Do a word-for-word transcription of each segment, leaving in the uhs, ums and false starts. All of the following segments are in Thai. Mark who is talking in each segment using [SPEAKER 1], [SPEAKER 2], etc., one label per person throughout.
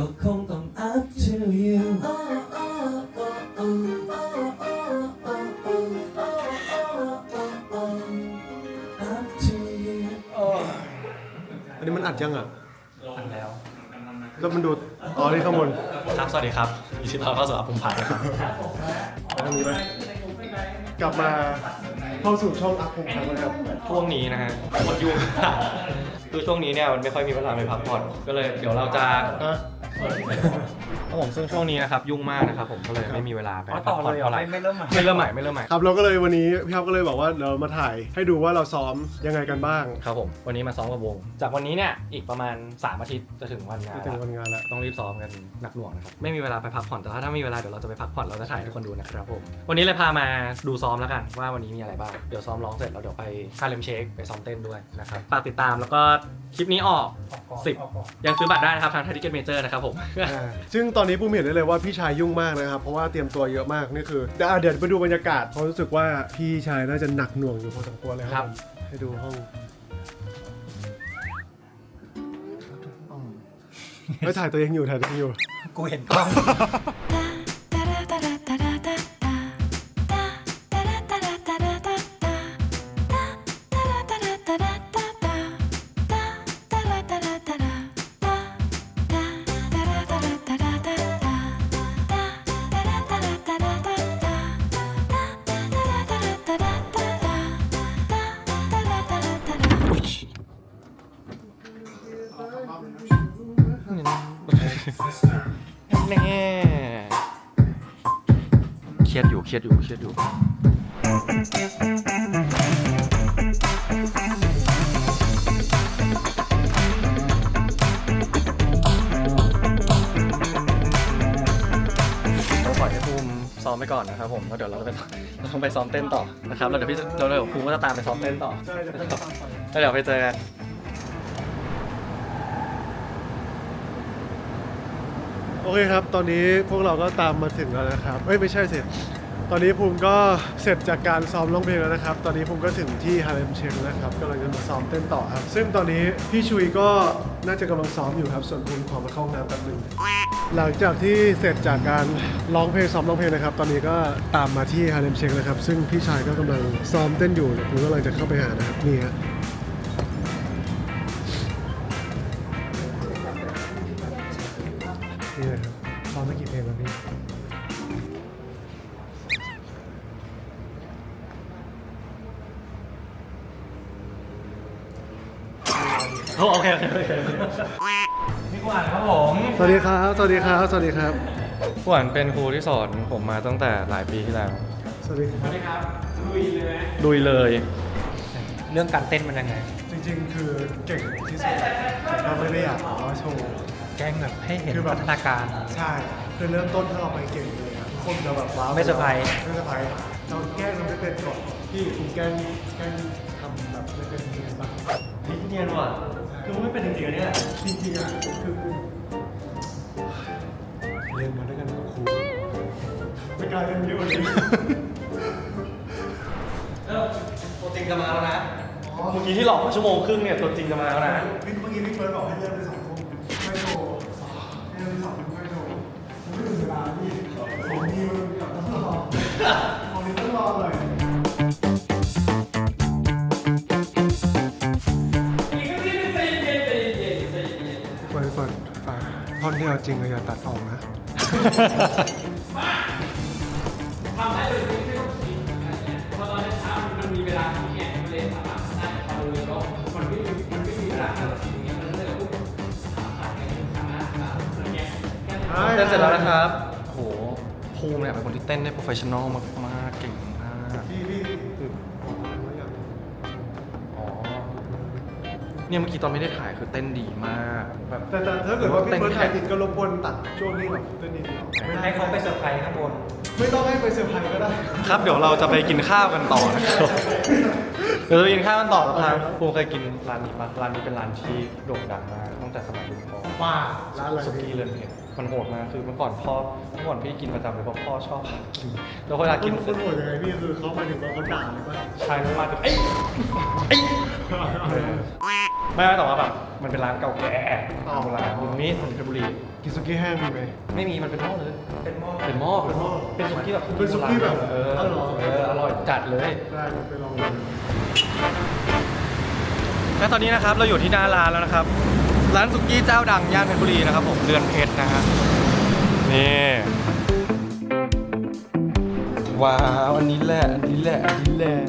[SPEAKER 1] ก็คงต้อง up to you
[SPEAKER 2] อันนี้มันอัดยังอ่ะ
[SPEAKER 3] อันแล้ว
[SPEAKER 2] แล้วมันดูอ๋อนี่ข้างบน
[SPEAKER 3] ครับสวัสดีครับยินดีต้อนรับเข้าสู่อัพภูมิพัฒน์นะครับ
[SPEAKER 2] ไปทางนี้ไหมกลับมาเข้าสู่ช่องอัพภูมิพัฒน์นะครับ
[SPEAKER 3] ช่วงนี้นะฮะมันยุ่ง คือช่วงนี้เนี่ยมันไม่ค่อยมีเวลาไปพักผ่อนก็เลยเดี๋ยวเราจะ
[SPEAKER 2] ฮะ
[SPEAKER 3] ครับผมซึ่งช่วงนี้นะครับยุ่งมากนะครับผมก็เลยไม่มีเวลาไปพักผ่อนเท่าไหร่
[SPEAKER 4] ไม่เริ่มใหม่
[SPEAKER 3] ไม่เริ่มใหม่ไม่เริ่มใหม่
[SPEAKER 2] ครับเราก็เลยวันนี้พี่ครับก็เลยบอกว่าเรามาถ่ายให้ดูว่าเราซ้อมยังไงกันบ้าง
[SPEAKER 3] ครับผมวันนี้มาซ้อมกับวง จากวันนี้เนี่ยอีกประมาณสามอาทิตย์จะถึงวันงาน
[SPEAKER 2] จะถึงวันงานแล้ว
[SPEAKER 3] ต้องรีบซ้อมกันหนักหน่วงนะครับไม่มีเวลาไปพักผ่อนแต่ถ้าถ้ามีเวลาเดี๋ยวเราจะไปพักผ่อนเราจะถ่ายให้ทุกคนดูนะครับผมวันนี้เลยพามาดูซ้อมแล้วกันว่าวันนี้มีอะไรบ้างเดี๋ยวซ้อมร้องเสร็จแล้วเดี๋ยวไปคาเลมเชคไปซ้อมเต้นด้วยนะครับฝากติดตามแล้วก็คลิปนี้ออกสิบยังซื้อบัตรได้นะครับทางไทยทิเก็ตเมเจอร์นะครับผม
[SPEAKER 2] ซึ่งตอนนี้ปูเห็นได้เลยว่าพี่ชายยุ่งมากนะครับเพราะว่าเตรียมตัวเยอะมากนี่คือเดี๋ยวอ่ะเดี๋ยวไปดูบรรยากาศเพราะรู้สึกว่าพี่ชายน่าจะหนักหน่วงอยู่พอสมควรเลยครับผมให้ดูห้องไม่ถ่ายตัวเองอยู่ถ่ายตัวเองอยู่
[SPEAKER 4] กูเห็นกล้อง
[SPEAKER 3] แน่เครียดอยู่เครียดอยู่เครียดอยู่ต้องปล่อยให้ภูมิซ้อมไปก่อนนะครับผมแล้วเดี๋ยวเราจะไปเราต้องไปซ้อมเต้นต่อนะครับแล้วเดี๋ยวพี่เราเดี๋ยวภูมิก็จะตามไปซ้อมเต้นต่อ
[SPEAKER 2] ใช่จะเป็นตามไป
[SPEAKER 3] แล้วเดี๋ยวไปเจอกัน
[SPEAKER 2] โอเคครับตอนนี้พวกเราก็ตามมาถึงแล้วนะครับเอ้ยไม่ใช่เสร็จตอนนี้ภูมิก็เสร็จจากการซ้อมร้องเพลงแล้วนะครับตอนนี้ภูมิก็ถึงที่ฮาเลมเชงนะครับกำลังจะมาซ้อมเต้นต่อครับซึ่งตอนนี้พี่ชุยก็น่าจะกำลังซ้อมอยู่ครับส่วนภูมิขอมาเข้าห้องน้ำแป๊บนึงหลังจากที่เสร็จจากการร้องเพลงซ้อมร้องเพลงนะครับตอนนี้ก็ตามมาที่ฮาเลมเชงนะครับซึ่งพี่ชายก็กำลังซ้อมเต้นอยู่เดี๋ยวภูมิก็กำลังจะเข้าไปหานะครับนี่ฮะนี่เลยครับซ้อมไม่กี่เพลงแล้วพี่
[SPEAKER 3] โอเคโอเคโอเคพี่ขวัญครับผม
[SPEAKER 2] สวัสดีครับ สวัสดีครับ สวัสดีครับ
[SPEAKER 3] ขวัญเป็นครูที่สอนผมมาตั้งแต่หลายปีที่แล้ว
[SPEAKER 2] สวัสดีครับ
[SPEAKER 3] ลุยเลยลุยเลย
[SPEAKER 4] เรื่องการเต้นมันยังไง
[SPEAKER 2] จริงๆ คือเก่งที่สุดแต่ก็ไม่ได้อยากบอกว่าโชว์
[SPEAKER 4] แกล้งแบบให้เห็น
[SPEAKER 2] คือแบบ
[SPEAKER 4] พัฒนาการ
[SPEAKER 2] ใช่ คือเริ่มต้นถ้าเราไปเก่งเลยอะทุกคนจะแบบว้าว
[SPEAKER 4] ไม่เซอร์ไพรส์
[SPEAKER 2] ไม่เซอร์ไพรส์เราแกล้งทำไม่เป็นก่อนพี่คุณแกล้งแกล้งทำแบบไม่เป็นยังไงบ้าง
[SPEAKER 3] นี่เนียนว่ะคือไม่เป็นจริงๆเนี่ย
[SPEAKER 2] จริงๆอ่ะคือเรียนมาด้วยกันกับครูไม่กลายเป็นเยอะกว่านี้
[SPEAKER 3] ตัวจริงจะมาแล้วนะเมื่อกี้ที่หลอกมาชั่วโมงครึ่งเนี่ยตัวจริงจะมาแล้วนะ
[SPEAKER 2] พี่เมื่อกี้พี่เฟิร์สบอกให้เริ่มไปสองทุ่มไม่โชว์ให้เริ่มไปสองทุ่มไม่โชว์ผมไม่ถึงเวลาพี่ผมมีมันกับต้องรอผมมีต้องรอหน่อยเฟิร์สเฟิร์สฝากท่อนที่เอาจริงเลยอย่าตัดออกนะ
[SPEAKER 5] ทำได้เลยไม่ต้องคิดอะไรเงี้ยพอตอนเช้ามันมีเวลาที่เนี่ยมันเลยสามารถได้พอเลยก็มันไม่มีมันไม่มีเวลาที่เราคิดอย่างเงี้ยมันเลยปุ๊บถามถามกันถามนะถามอะไรเงี้ย
[SPEAKER 3] เต้นเสร็จแล้วนะครับโอ้โหภูมิเนี่ยเป็นคนที่เต้นได้โปรเฟชชั่นอลมากๆเก่งมาก
[SPEAKER 2] พี่พี่คือบอกว่าอยาก
[SPEAKER 3] อ๋อเนี่ยเมื่อกี้ตอนไม่ได้ถ่ายคือเต้นดีมากแบบ
[SPEAKER 2] แต่แต่ถ้าเกิดว่าพี่เฟิร์สถ่ายติดก็รบกวนตัดช่วงนี้แบบเต้นนิดเดียว
[SPEAKER 4] ให้เขาไปเซอร์ไพรส์ข้างบน
[SPEAKER 2] ไม่ต้องให้ไปเซอร์ไพรส์ก็ได้
[SPEAKER 3] ครับเดี๋ยวเราจะไปกินข้าวกันต่อนะครับเดี๋ยวเราไปกินข้าวกันต่อนะครับภูมิเคยกินร้านนี้ปะร้านนี้เป็นร้านที่โด่งดังมากตั้งแต่สมัยรุ่นพ่อ
[SPEAKER 2] ว่าร้านอะไร
[SPEAKER 3] สุกี้เรือนเพชรมันโหดมากคือเมื่อก่อนพ่อเมื่อก่อนพี่กินประจำเลยเพราะพ่อชอบกินแล้วเวลา
[SPEAKER 2] กิ
[SPEAKER 3] กิ
[SPEAKER 2] น
[SPEAKER 3] น
[SPEAKER 2] คนโหดยังไงพี่คือเขาหมายถึงว่าเขาด่าหรือเปล่า
[SPEAKER 3] ชายมาถึงเอ้ยเอ้ยไม่ไม่แต่ว่าแบบมันเป็นร้านเก่าแก่โบราณตรงนี้ถนนเพชรบุรี
[SPEAKER 2] กินสุกี้แห้งมีไหม
[SPEAKER 3] ไม่มีมันเป็นหม้อเลย เป็นหม้อเป็นหม้อเป็นหม้อเป็นสุกี้แบบ
[SPEAKER 2] เป็นสุกี้แบบ
[SPEAKER 3] เออ
[SPEAKER 2] อร่อย
[SPEAKER 3] เอออร่อยจัดเลย
[SPEAKER 2] ได้ไปลองดู
[SPEAKER 3] และตอนนี้นะครับเราอยู่ที่หน้าร้านแล้วนะครับ ร้านสุกี้เจ้าดังย่านเพชรบุรีนะครับผมเรือนเพชรนะฮะนี่ว้าวอันนี้แหละอันนี้แหละอันนี้แหละ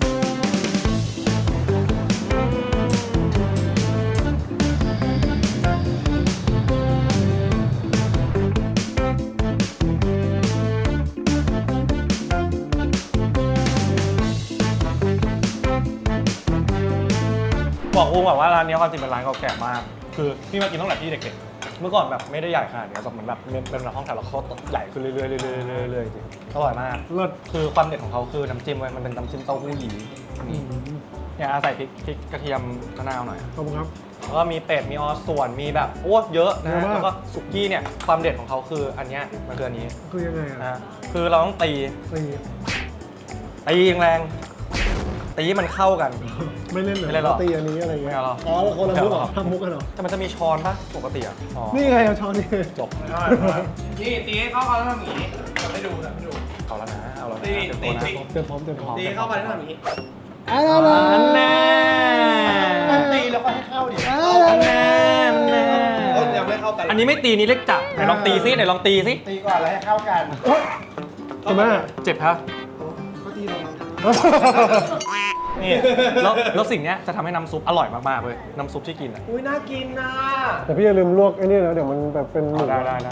[SPEAKER 3] บอกอุ้งแบบว่าร้านนี้ความจริงเป็นร้านเก่าแก่มากคือพี่มากินตั้งแต่พี่เด็กๆเมื่อก่อนแบบไม่ได้ใหญ่ขนาดนี้แต่เหมือนแบบเป็นแบบห้องแถวแล้วเขาใหญ่ขึ้นเรื่อยๆเรื่อยๆเรื่อยๆเรื่อยๆจริงอร่อยมาก
[SPEAKER 2] เลิศ
[SPEAKER 3] คือความเด็ดของเขาคือน้ำจิ้มเว้ยมันเป็นน้ำจิ้มเต้าหู้หยีนี่เนี่ยอาศัยพริกพริกกระเทียมมะนาวหน่อย
[SPEAKER 2] ขอบคุณครับ
[SPEAKER 3] แล้วก็มีเป็ดมีออสส่วนมีแบบโอ้เยอะนะ
[SPEAKER 2] เยอะมาก
[SPEAKER 3] แล้วก็สุกี้เนี่ยความเด็ดของเขาคืออันเนี้ยมันคืออันนี้
[SPEAKER 2] คือยังไงอ่ะ
[SPEAKER 3] นะคือเราต้องตี
[SPEAKER 2] ตี
[SPEAKER 3] ตีแรงๆตีให้มันเข้ากัน
[SPEAKER 2] ไม่เล่นเหรอ
[SPEAKER 3] ไม่เล่นหรอ
[SPEAKER 2] ตีอันนี้อะไรเงี้ย
[SPEAKER 3] ไม่เอาหรอ
[SPEAKER 2] อ๋อแล้วคนละมุกเหรอ
[SPEAKER 3] ไม่เอาหรอ
[SPEAKER 2] ทำมุกกันเหรอ
[SPEAKER 3] แต่มันจะมีช้อนปะปกติอ่ะอ๋อ
[SPEAKER 2] นี่ไงเอาช้อนนี่
[SPEAKER 3] จบ
[SPEAKER 5] นี่ตีให้เข้ากันแล้วทำอย่างนี้จะไม่ดูจะไม่ดู
[SPEAKER 3] เอาแล้วนะเอาแล้วนะ
[SPEAKER 5] ตี
[SPEAKER 3] เต็ม
[SPEAKER 5] ตี
[SPEAKER 3] ตัวนะ
[SPEAKER 5] ตี
[SPEAKER 2] เต็มพร้อมเต็มพร้อม
[SPEAKER 5] ตีเข้าไปแล้วทำอย่างนี้
[SPEAKER 2] อ่าแน่
[SPEAKER 3] อันแน่
[SPEAKER 5] ตีแล้วก็ให้เข้าดิ
[SPEAKER 2] อ่า
[SPEAKER 3] อัน
[SPEAKER 2] แน่
[SPEAKER 3] แน่
[SPEAKER 5] เออยังไม่เข้ากัน
[SPEAKER 3] อันนี้ไม่ตีนี่เล็กจับไหนลองตีซิไหนลองตีซิ
[SPEAKER 5] ตีก่อนแล้วให้เข้ากัน
[SPEAKER 2] ใช่ไหม
[SPEAKER 3] เจ็บครับ
[SPEAKER 5] ก็ตีลงมา
[SPEAKER 3] นี่แล้วแล้วสิ่งเนี้ยจะทำให้น้ำซุปอร่อยมากๆเลยน้ำซุปที่กินอ่ะ
[SPEAKER 5] อุ้ยน่ากินนะ
[SPEAKER 2] แต่พี่อย่าลืมลวกไอ้นี่นะเดี๋ยวมันแบบเป็นหมึก
[SPEAKER 3] ได้ได้ได้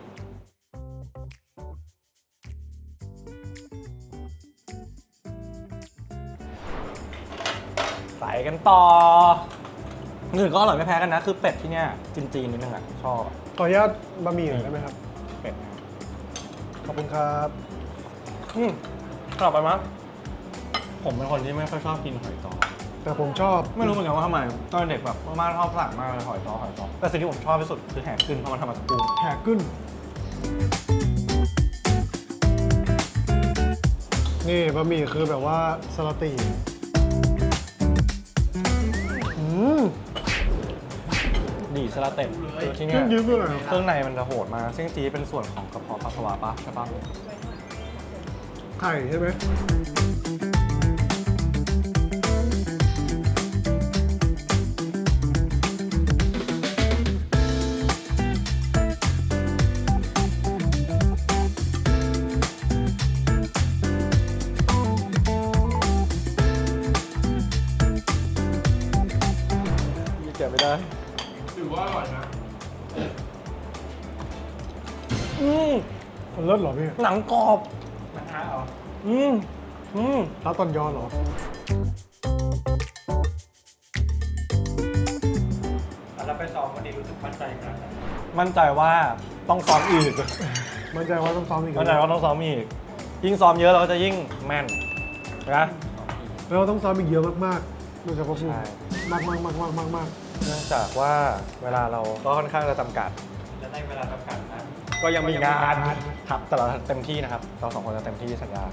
[SPEAKER 3] ใส่กันต่ออื่นก็อร่อยไม่แพ้กันนะ คือเป็ดที่เนี้ยจีนๆนิดนึงอ่ะชอบอะ
[SPEAKER 2] ขออนุญาตบะหมี่หน่อยได้ไหมครับ
[SPEAKER 3] เป็ดนะ
[SPEAKER 2] ขอบคุณครับ
[SPEAKER 3] อืมกลับไปมั้ยผมเป็นคนที่ไม่ค่อยชอบกินหอยจ้อ
[SPEAKER 2] แต่ผมชอบ
[SPEAKER 3] ไม่รู้เหมือนกันว่าทำไมตอนเด็กแบบมากชอบสั่งมากเลยหอยจ้อหอยจ้อแต่สิ่งที่ผมชอบที่สุดคือแหกขึ้นเพราะมันทำมาจากกุ้ง
[SPEAKER 2] แหกขึ้น นี่บะหมี่คือแบบว่าสลัดตีอืม
[SPEAKER 3] ดีสลาเต็มคือที่
[SPEAKER 2] เค
[SPEAKER 3] เนี้
[SPEAKER 2] รื่อย งยืมด้วยเหรอ
[SPEAKER 3] เครื่องในมันจะโหดมากซึ่งจีเป็นส่วนของกระเพาะปัสสาวะปะใช่ปะ
[SPEAKER 2] ไข่ใช่ไหม
[SPEAKER 3] เก็บไม่ได้
[SPEAKER 5] ถือว่าอร่อยนะ
[SPEAKER 3] อืม
[SPEAKER 2] มันเลิศเหรอพี่
[SPEAKER 3] หนังกรอบ
[SPEAKER 5] มันท้าเหรอ
[SPEAKER 3] อืมอืม
[SPEAKER 2] ร้านตอนยอนเหรอ
[SPEAKER 4] แล้วไปซ้อมวันนี้รู้สึกมั่นใจขนาดไหน
[SPEAKER 3] มั่นใจว่าต้องซ้อมอีก
[SPEAKER 2] มั่นใจว่าต้องซ้อมอีก
[SPEAKER 3] มั่นใจว่าต้องซ้อมอีกยิ่งซ้อมเยอะเราก็จะยิ่งแม่นนะ
[SPEAKER 2] แล้วเราต้องซ้อมอีกเยอะมากๆโดยเฉพาะพูด
[SPEAKER 3] ใช่
[SPEAKER 2] มากมากมากมากมากมาก
[SPEAKER 3] เนื่องจากว่าเวลาเราก็ค่อนข้างจะจำกัด
[SPEAKER 4] และในเวลาจำกัดนะ
[SPEAKER 3] ก็ยังมีงานครับแต่เราเต็มที่นะครับเราสองคนจะเต็มที่สัญญา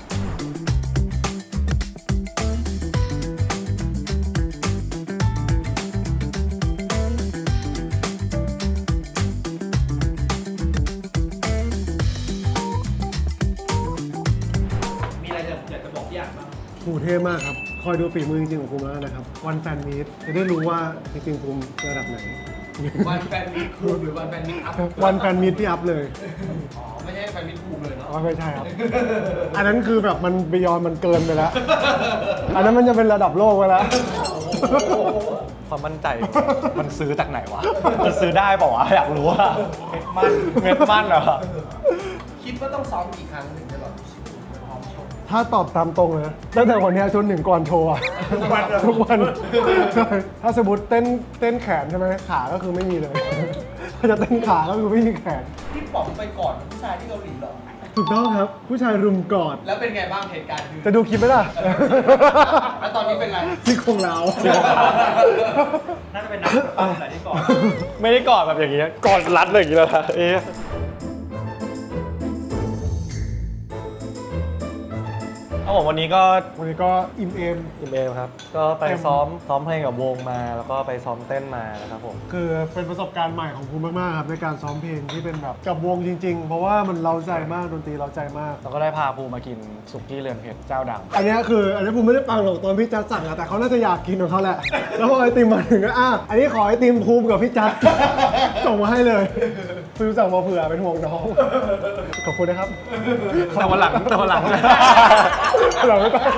[SPEAKER 5] มีอะไรจะอยากจะบอกพี่อ่านบ้าง
[SPEAKER 2] ภูมิเท่มากครับ คอยดูฝีมือจริงๆของภูมิแล้วนะครับ วันแฟนมีตจะได้รู้ว่าจริงๆภูมิระดับไหน
[SPEAKER 5] วันแฟนมิตรคูมหรือวันแฟนมิตรอัพ
[SPEAKER 2] วันแฟนมีตที่อัพเลย
[SPEAKER 5] อ๋อไม่ใช่แฟนมิตรคูมเลยเนาะ
[SPEAKER 2] อ๋อไม่ใช่ครับ อันนั้นคือแบบมันบยอนมันเกินไปแล้ว อันนั้นมันจะเป็นระดับโลกไปแล้ว
[SPEAKER 3] ความมั่นใจมันซื้อจากไหนวะมันซื้อได้เปล่าวะอยากรู้ว่าเม็ดมันเม็ดมันเหรอ
[SPEAKER 5] คิดว่าต้องซ้อมกี่ครั้งถึงจะแบบพร้อมชก
[SPEAKER 2] ถ้าตอบตามตรงนะตั้งแต่วันนี้จนถึงก่อนโชว์อะ
[SPEAKER 5] ทุกวันเลย
[SPEAKER 2] ทุกวันใช่ถ้าสมมติเต้นเต้นแขนใช่ไหมขาก็คือไม่มีเลย ถ้าจะเต้นขาก็คือไม่มีแขน
[SPEAKER 5] พี่ป๋องไปก่อนผู้ชายที่เกาหลีเหรอ
[SPEAKER 2] ถูกต้องครับ ผู้ชายรุมกอด
[SPEAKER 5] แล้วเป็นไงบ้างเหตุการณ์คือ
[SPEAKER 2] จะดูคลิปไหมล่ะ
[SPEAKER 5] แล้วตอนนี้เป็นไร
[SPEAKER 2] ซี่โครงเราว
[SPEAKER 4] น่าจะเป็นนักปั้มแหละที่ก่อน
[SPEAKER 3] ไม่ได้กอดแบบอย่างเงี้ยกอดรัดเลยอย่างงี้แล้วนะเอ๊ะอครับผมวันนี้ก็
[SPEAKER 2] วันนี้ก็อิ่มเอม
[SPEAKER 3] อิมเอลครับ ก็ไป
[SPEAKER 2] เต็ม
[SPEAKER 3] ซ้อมซ้อมเพลงกับวงมา แล้วก็ไปซ้อมเต้นมานะครับผม
[SPEAKER 2] คือเป็นประสบการณ์ใหม่ของภูมิมากๆครับในการซ้อมเพลงที่เป็นแบบกับวงจริงๆ เพราะว่ามันเร้าใจมากดนตรีเร้าใจมาก
[SPEAKER 3] แล้วก็ได้พาภูมากินสุกี้เรือนเพชรเจ้าดัง
[SPEAKER 2] อันเนี้ยคืออันนี้ภูมิไม่ได้ฟังหรอกตอนพี่จัดสั่งอะแต่เขาน่าจะอยากกินของเขาแหละ แล้วพอไอติมมาถึงก็อ่ะอันนี้ขอไอติมภูมิกับพี่จัด ส่งมาให้เลยซื้อสั่งมาเผื่อเป็นห่วงน้องขอบคุณนะครับ
[SPEAKER 3] แต่วันหลังแต่วันหลัง
[SPEAKER 2] เราไม่ต้อง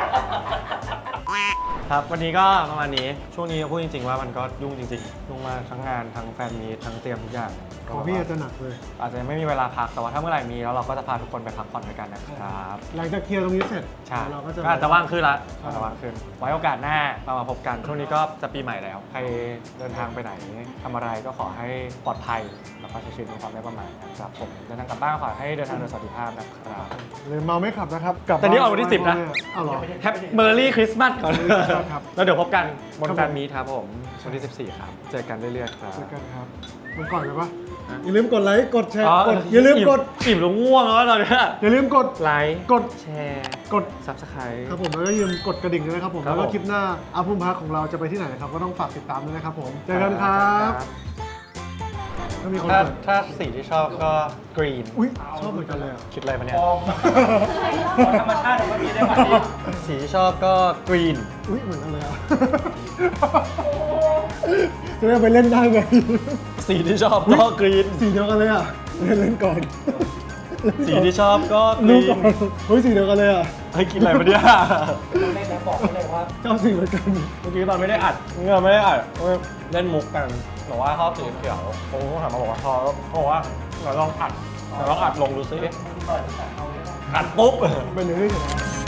[SPEAKER 3] ครับวันนี้ก็ประมาณนี้ช่วงนี้พูดจริงๆว่ามันก็ยุ่งจริงๆยุ่งมากทั้งงานทั้งแฟนมีตทั้งเตรียมทุกอย่าง
[SPEAKER 2] ของพี่อาจจะหนักเลย
[SPEAKER 3] อาจจะไม่มีเวลาพักแต่ว่าถ้าเมื่อไหร่มีแล้วเราก็จะพาทุกคนไปพักผ่อนด้วยกันนะครับ
[SPEAKER 2] หลังจากเคลียร์ตรงนี้เสร็จ
[SPEAKER 3] ใช่
[SPEAKER 2] เราก็จะ
[SPEAKER 3] ก็อาจจะว่างขึ้นละอาจจะว่างขึ้น ไว้โอกาสหน้าเรามาพบกันช่วงนี้ก็จะปีใหม่แล้วใครเดินทางไปไหนทำอะไรก็ขอให้ปลอดภัยแล้วก็ใช้ชีวิตด้วยความไม่ประมาทนะครับผมเดินทางกลับบ้านขอให้เดินทางโดยสวัสดิภาพนะครับ
[SPEAKER 2] หรือเมาไม่ขับนะครับกลับ
[SPEAKER 3] แต่นี่ออกวันที่สิบนะ
[SPEAKER 2] เอาเหรอ
[SPEAKER 3] แฮปเมอร์รี่คริสต์มาสก่อน
[SPEAKER 2] ครับ
[SPEAKER 3] แล้วเดี๋ยวพบกันบน
[SPEAKER 2] ครับผม
[SPEAKER 3] แฟนมีตครับผมวันที่สิบสี่ครับเจอกันเรื่อยๆครับ
[SPEAKER 2] เจอกันครับมันก่อนเลยปะอย่าลืมกดไลค์กดแชร์
[SPEAKER 3] อ๋อก
[SPEAKER 2] ดอย่าลืมกด
[SPEAKER 3] อิ่มแล้วง่วงแล้วตอนเนี้ย
[SPEAKER 2] อย่าลืมกด
[SPEAKER 3] ไลค์
[SPEAKER 2] กด
[SPEAKER 3] แชร์
[SPEAKER 2] กด
[SPEAKER 3] ซับสไครต์
[SPEAKER 2] ครับผมแล้วก็อย่าลืมกดกระดิ่งด้วยนะครับผม
[SPEAKER 3] ครับ
[SPEAKER 2] แล้วก็
[SPEAKER 3] ผม
[SPEAKER 2] คลิปหน้าอาภูมิพักของเราจะไปที่ไหนนะครับก็ต้องฝากติดตามด้วยนะครับผมเจอกันครับถ้ามีคน
[SPEAKER 3] ถ้า
[SPEAKER 2] เปิด
[SPEAKER 3] ถ้าสีที่ชอบก็กรีน
[SPEAKER 2] อุ้ยชอบเหมือนกันเลยอะ
[SPEAKER 3] คิดอะไรมาเนี่ย
[SPEAKER 4] ธรรมชาติของมันนี้ได้ไหม
[SPEAKER 3] สีที่ชอบก็กรีน
[SPEAKER 2] อุ้ยเหมือนกันเลยอ่ะ จะได้ไปเล่นได้ไง
[SPEAKER 3] สีที่ชอบก็กรีน
[SPEAKER 2] สีเดียวกันเลยอ่ะเล่นเล่นก่อน
[SPEAKER 3] สีที่ชอบก็ก
[SPEAKER 2] รู้
[SPEAKER 3] รี
[SPEAKER 2] ก่อน นเฮ้ยสีเดียวกันเลยอ่ะ
[SPEAKER 3] เฮ้ยกินอะไรมาเนี่ย
[SPEAKER 4] ต้องเล่นแล้วบอกเขาเลยว่า
[SPEAKER 2] ชอบสีเหมือนกัน
[SPEAKER 3] เมื่อกี้ตอนไม่ได้อัดเงื่อไม่ได้อัดเล่นมุกกันบอกว่าชอบสีเขียวผมก็ถามมาบอกว่าชอบเขาบอกว่าเราลองอัดเราลองอัดลงดูซิอัดปุ๊บ
[SPEAKER 2] เป็นเรื่องที่เฉย